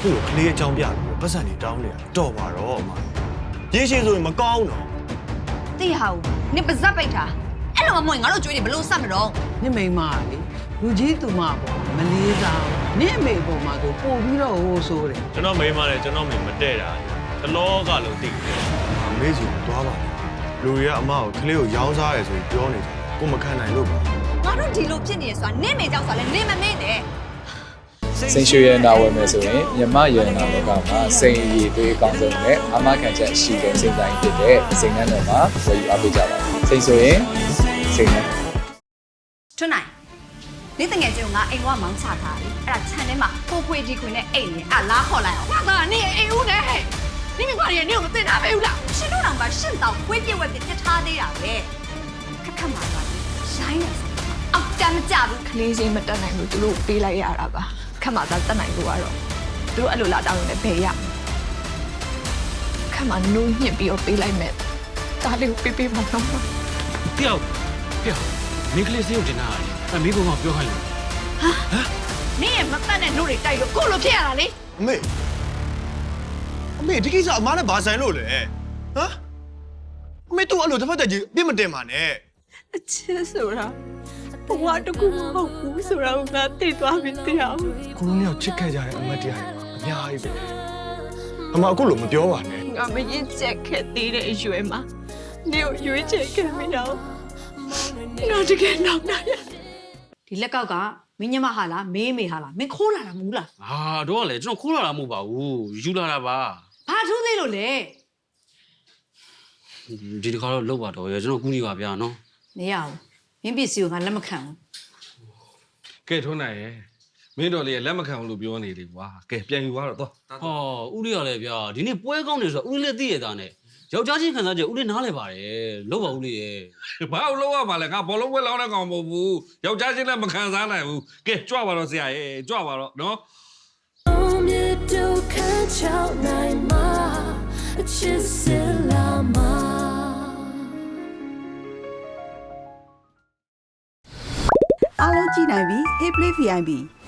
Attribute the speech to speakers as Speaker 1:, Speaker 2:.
Speaker 1: ခုလိုကလေးအကြောင်းပြပြီးပတ်စံနေတောင်းနေတာတော့ပါတော့အမရေရှည်ဆိုရင်မကောင်းတော့
Speaker 2: တိဟာဦးနင်ပါဇက်ပိတ်တာအဲ့လိုမမွေငါတို့ကြွေးနေဘလို့ဆက်မတော့
Speaker 3: နင့်မိန်းမလေလူကြီးသူမပေါ့မလေးစားနင့်အမေပေါ်မှာဆိုပို့ပြီးတော့ဟိုးဆိုးတယ်
Speaker 1: ကျွန်တော်မိန်းမလည်းကျွန်တော်မိန်းမတဲ့တာတလောကလုံးသိတယ်အမေစီသွားပါလူတွေကအမကိုကလေးကိုရောင်းစားရဲဆိုပြီးပြောနေတယ်ကိုမခံနိုင်လို့ပါ
Speaker 2: ငါတို့ဒီလိုဖြစ်နေရဆိုတာနင့်မေကြောက်ဆိုတာလဲနင့်မမေ့နဲ့
Speaker 4: စိန်ရွှေရနာဝယ်မယ်ဆိုရင်မြမရနာလောကမှာစိန်ရည်သွေးအကောင်းဆုံးနဲ့အမခံချက်အရှိဆုံးစိန်တိုင်းဖြစ်တဲ့စိန်နှံတော်မှာဝယ်ယူအားပေးကြပါစိန်ဆိုရင်စိန်နှံ
Speaker 2: ထွန်းနိုင်နေ့တငယ်ချင်းကငါအိမ်ကမောင်းချထားတယ်အဲ့ဒါခြံထဲမှာကိုခွေကြီးခွေနဲ့အိမ်နဲ့အလားခေါ်လိုက်အောင်ငါကနင့်အိမ်ဦးနဲ့နင့်မိခွာရီနင့်ကိုမသိတာပဲဦးလားရှင်တို့တောင်မှရှင့်တောင်ခွေးပြက်ဝက်ပြစ်ထားသေးတာပဲခက်ခက်မှာပါရိုင်းနေအောက်တမ်းမကြဘူး
Speaker 5: ကလေးချင်းမတက်နိုင်လို့သူတို့ပေးလိုက်ရတာပါခက်မှသာတက်နိုင်လို့ကတော့သူတို့အဲ့လိုလာတောင်းနေဘယ်ရခက်မှနိုးညှစ်ပြီးတော့ပေးလိုက်မယ်ဒါလေးကိုပေးပါတော့
Speaker 6: တယောက်မင်းကလေးစေးကိုတင်တာလေမင်းကောင်ကပြောခိုင်းလို့
Speaker 2: နင့်ရဲ့မတက်တဲ့နှုတ်တွေတိုက်လို့ကိုလိုဖြစ်ရတာလေ
Speaker 1: အမေဒီကိစ္စအမနဲ့ဘာဆိုင်လို့လဲဟမ်အမေတို့အဲ့လိုတစ်ဖက်တည်းကြီးပြစ်မတင်ပါနဲ့
Speaker 5: အချစ်ဆိုတာဘဝတကူမဟုတ်ဘူးဆိုတာကိုငါသိသွားပြီတရား
Speaker 1: ကိုလုံးရောက်ချစ်ခဲ့ကြတဲ့အမတ်တရားတွေအများကြီးပဲအမအခုလိုမပြောပါနဲ့
Speaker 5: ငါမရင်ချက်ခဲ့သေးတဲ့အရွယ်မှာနေကိုရွေးချယ်ခဲ့မိတော့ငါတကယ်နောက်နိုင်ရ
Speaker 2: ဒီလက်ကောက်ကမင်းညမဟာလားမေးမေဟာလားမင်းခိုးလာတာမဟုတ်လား
Speaker 6: ဟာတော့ကလေကျွန်တော်ခိုးလာတာမဟုတ်ပါဘူးယူလာတာပါ
Speaker 2: ဘာထူးသေးလို့လဲ
Speaker 6: ဒီတစ်ခါတော့လောက်ပါတော့ရကျွန်တော်ကူးနေပါဗျာနော်
Speaker 2: နေရအောင်မင်းပစ္စည်းကိုငါလက်မခံဘူး
Speaker 7: ကဲထုံးနိုင်ရဲ့မင်းတော်လေးလက်မခံဘူးလို့ပြောနေလေကွာကဲပြန်ယူသွားတော့သွား
Speaker 6: ဟောဦးလေးရလဲဗျာဒီနေ့ပွဲကောင်းနေဆိုတော့ဦးလေးသိရတာနဲ့ယောက်ျားချင်းခံစားချက်ဦးလေးနားလဲပါတယ်လောက်ပါဦးလေးရဲ့
Speaker 7: ဘာလို့လောက်ရမှာလဲငါဘောလုံးပွဲလောင်းတဲ့ကောင်မဟုတ်ဘူးယောက်ျားချင်းလည်းမခံစားနိုင်ဘူးကဲကြွပါတော့ဆရာရဲ့ကြွပါတော့နော်
Speaker 8: အားလုံးကြည့်နိုင်ပြီ Hey Play VIP